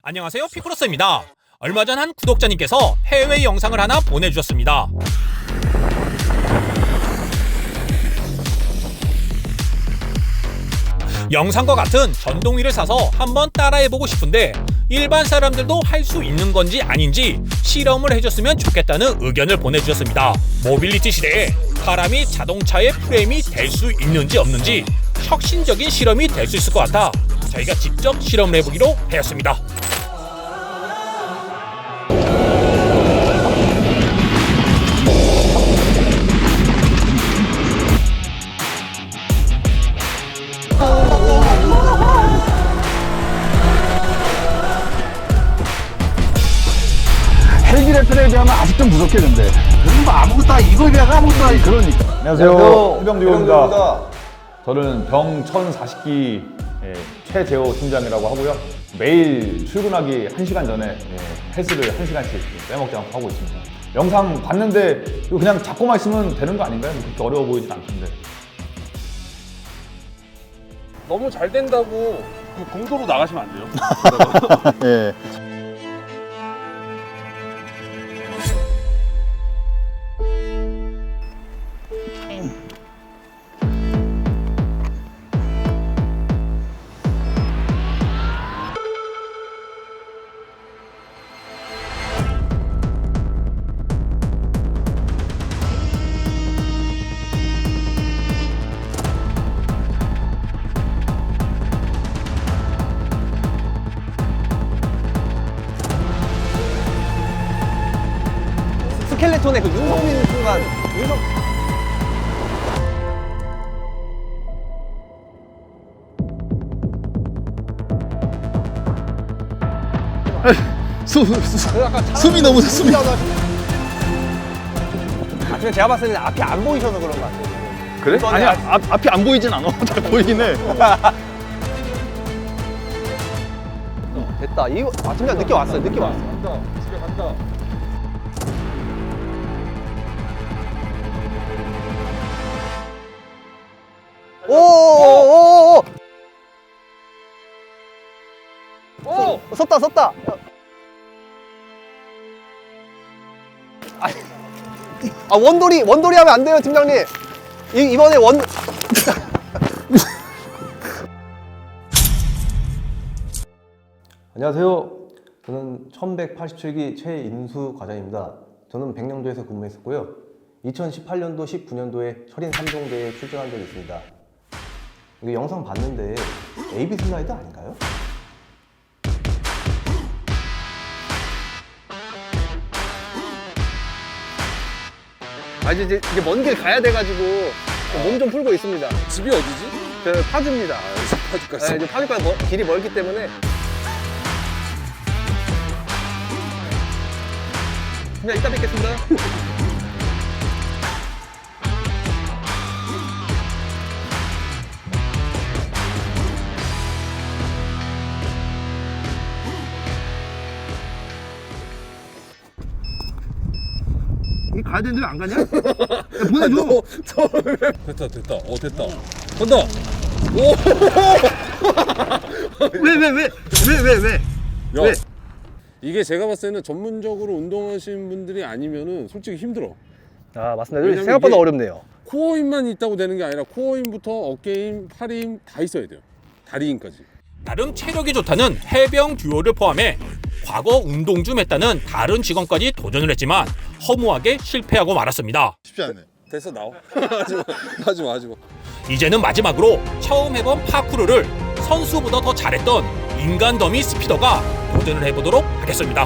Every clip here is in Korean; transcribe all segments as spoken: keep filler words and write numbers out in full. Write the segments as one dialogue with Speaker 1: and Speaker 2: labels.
Speaker 1: 안녕하세요, 피크로스입니다. 얼마 전 한 구독자님께서 해외 영상을 하나 보내주셨습니다. 영상과 같은 전동휠을 사서 한번 따라해보고 싶은데 일반 사람들도 할 수 있는 건지 아닌지 실험을 해줬으면 좋겠다는 의견을 보내주셨습니다. 모빌리티 시대에 사람이 자동차의 프레임이 될 수 있는지 없는지 혁신적인 실험이 될 수 있을 것 같아 저희가 직접 실험을 해보기로 하였습니다.
Speaker 2: 헬기 레펠에 비하면 아직 좀 부족했는데.
Speaker 3: 그럼 뭐 아무것도 아니, 이거에 비하면 아무것도 아니.
Speaker 2: 그러니까.
Speaker 4: 안녕하세요. 해병대우입니다. 저는 병 천사십 기 예, 최재호 팀장이라고 하고요. 매일 출근하기 한 시간 전에 예, 헬스를 한 시간씩 빼먹지 않고 하고 있습니다. 영상 봤는데 이거 그냥 잡고만 있으면 되는 거 아닌가요? 그렇게 어려워 보이진 않던데.
Speaker 5: 너무 잘 된다고 그 공도로 나가시면 안 돼요.
Speaker 2: 예.
Speaker 3: 스켈레톤의 그 윤성민 순간. 윤성...
Speaker 2: 숨, 숨, 숨이 너무 숨이.
Speaker 3: 아침에 제가 봤을 때 앞이 안 보이셔서 그런 것 같아요.
Speaker 2: 그래? 아니, 앞, 앞이 안 보이진 않아. 잘 보이긴 해.
Speaker 3: 됐다. 이거 아, 팀장 늦게 왔어요. 늦게 왔어.
Speaker 5: 간다. 집에 간다.
Speaker 3: 오오오오.
Speaker 5: 오!
Speaker 3: 섰다 섰다. 아니, 아 원돌이 원돌이 하면 안 돼요, 팀장님. 이 이번에 원.
Speaker 6: 안녕하세요. 저는 천백팔십칠 기 최인수 과장입니다. 저는 백령도에서 근무했었고요. 이천십팔 년도, 십구 년도에 철인 삼 종대에 출전한 적이 있습니다. 이거 영상 봤는데 에이비 슬라이드 아닌가요?
Speaker 3: 아 이제 이제 먼 길 가야 돼가지고 몸 좀 풀고 있습니다.
Speaker 5: 집이 어디지?
Speaker 3: 저 파주입니다.
Speaker 5: 파주까지.
Speaker 3: 네, 이제 파주까지 멀- 길이 멀기 때문에. 그냥 이따 뵙겠습니다. 이 가야 되는데 왜 안 가냐? 야, 보내줘.
Speaker 5: 됐다 됐다. 어 됐다. 간다. 오!
Speaker 3: 왜 왜 왜 왜 왜 왜?
Speaker 5: 야,
Speaker 3: 왜?
Speaker 5: 이게 제가 봤을 때는 전문적으로 운동하시는 분들이 아니면은 솔직히 힘들어.
Speaker 3: 아 맞습니다.
Speaker 5: 왜냐면
Speaker 3: 생각보다
Speaker 5: 이게-
Speaker 3: 어렵네요.
Speaker 5: 코어 힘만 있다고 되는 게 아니라 코어 힘부터 어깨 힘, 팔 힘 다 있어야 돼요. 다리 힘까지.
Speaker 1: 나름 체력이 좋다는 해병 듀오를 포함해 과거 운동 좀 했다는 다른 직원까지 도전을 했지만 허무하게 실패하고 말았습니다.
Speaker 4: 쉽지 않네.
Speaker 5: 됐어 나와. 하지마 하지마 하지마.
Speaker 1: 이제는 마지막으로 처음 해본 파쿠르를 선수보다 더 잘했던 인간 더미 스피더가 도전을 해보도록 하겠습니다.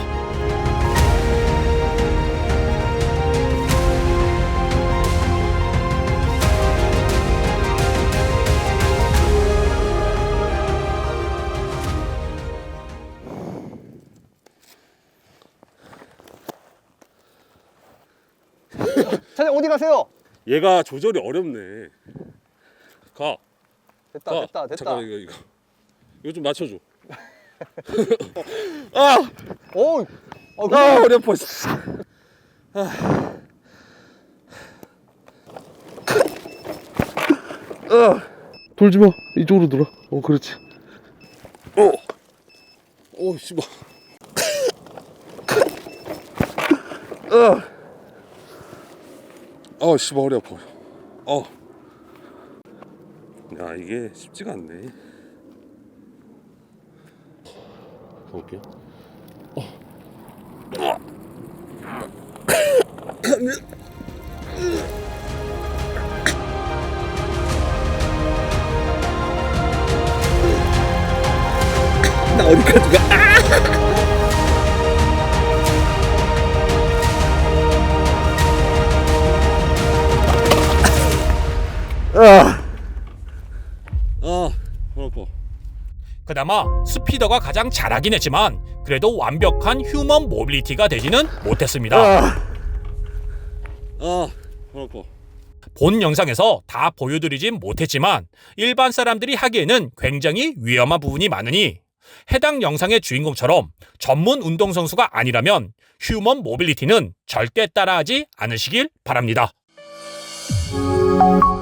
Speaker 3: 사장님 어디 가세요?
Speaker 5: 얘가 조절이 어렵네. 가.
Speaker 3: 됐다
Speaker 5: 가.
Speaker 3: 됐다 됐다.
Speaker 5: 잠깐 이거 이거. 이거 좀 맞춰줘. 아,
Speaker 3: 오, 어,
Speaker 5: 아 어렵어.
Speaker 7: 돌지 마. 이쪽으로 돌아. 어, 그렇지.
Speaker 5: 오, 오 씨발. 어, 씨, 머리 아파. 어. 야, 이게 쉽지가 않네. 가볼게요. 나 어디까지 가? 아, 머리 아파.
Speaker 1: 그나마 스피더가 가장 잘하긴 했지만 그래도 완벽한 휴먼 모빌리티가 되지는 못했습니다.
Speaker 5: 아, 머리 아파.
Speaker 1: 본 영상에서 다 보여드리진 못했지만 일반 사람들이 하기에는 굉장히 위험한 부분이 많으니 해당 영상의 주인공처럼 전문 운동선수가 아니라면 휴먼 모빌리티는 절대 따라하지 않으시길 바랍니다.